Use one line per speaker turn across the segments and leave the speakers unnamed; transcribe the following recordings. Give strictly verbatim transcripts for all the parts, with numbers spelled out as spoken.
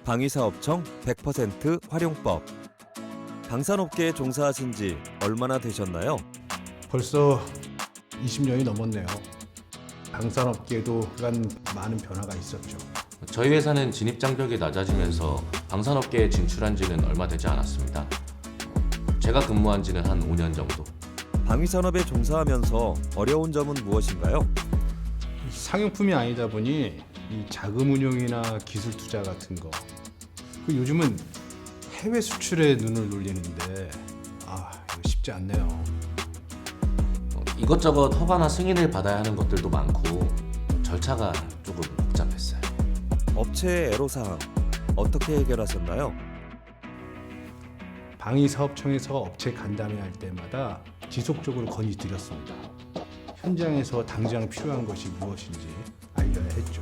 방위사업청 백 퍼센트 활용법. 방산업계에 종사하신 지 얼마나 되셨나요?
벌써 이십 년이 넘었네요. 방산업계에도 그간 많은 변화가 있었죠.
저희 회사는 진입 장벽이 낮아지면서 방산업계에 진출한 지는 얼마 되지 않았습니다. 제가 근무한 지는 한 오 년 정도.
방위산업에 종사하면서 어려운 점은 무엇인가요?
상용품이 아니다 보니 이 자금 운용이나 기술 투자 같은 거, 그 요즘은 해외 수출에 눈을 돌리는데 아 이거 쉽지 않네요.
어, 이것저것 허가나 승인을 받아야 하는 것들도 많고 절차가 조금 복잡했어요.
업체의 애로사항 어떻게 해결하셨나요?
방위사업청에서 업체 간담회할 때마다 지속적으로 건의드렸습니다. 현장에서 당장 필요한 것이 무엇인지 알려야 했죠.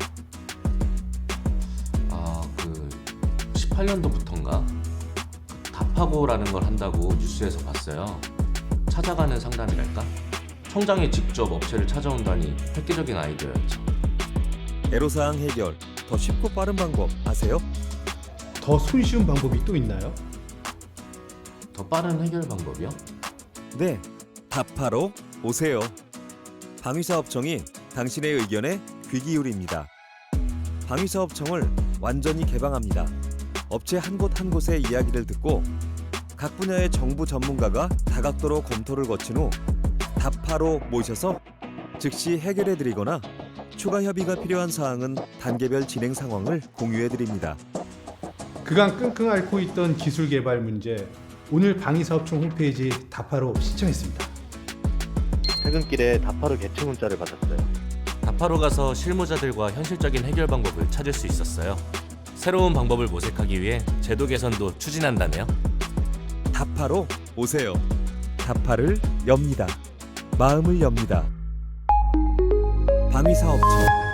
아, 그 십팔 년도부터인가 답하고라는 걸 한다고 뉴스에서 봤어요. 찾아가는 상담이랄까? 청장이 직접 업체를 찾아온다니 획기적인 아이디어였죠.
애로사항 해결 더 쉽고 빠른 방법 아세요?
더 손쉬운 방법이 또 있나요?
더 빠른 해결 방법이요?
네, 답하러 오세요. 방위사업청이 당신의 의견에 귀 기울입니다. 방위사업청을 완전히 개방합니다. 업체 한 곳 한 곳의 이야기를 듣고 각 분야의 정부 전문가가 다각도로 검토를 거친 후 답하러 모셔서 즉시 해결해드리거나 추가 협의가 필요한 사항은 단계별 진행 상황을 공유해드립니다.
그간 끙끙 앓고 있던 기술 개발 문제, 오늘 방위사업청 홈페이지 답하러 신청했습니다.
퇴근길에 답하러 개최 문자를 받았어요.
답하러 가서 실무자들과 현실적인 해결 방법을 찾을 수 있었어요. 새로운 방법을 모색하기 위해 제도 개선도 추진한다네요.
답하러 오세요. 답하를 엽니다. 마음을 엽니다. 방위사업청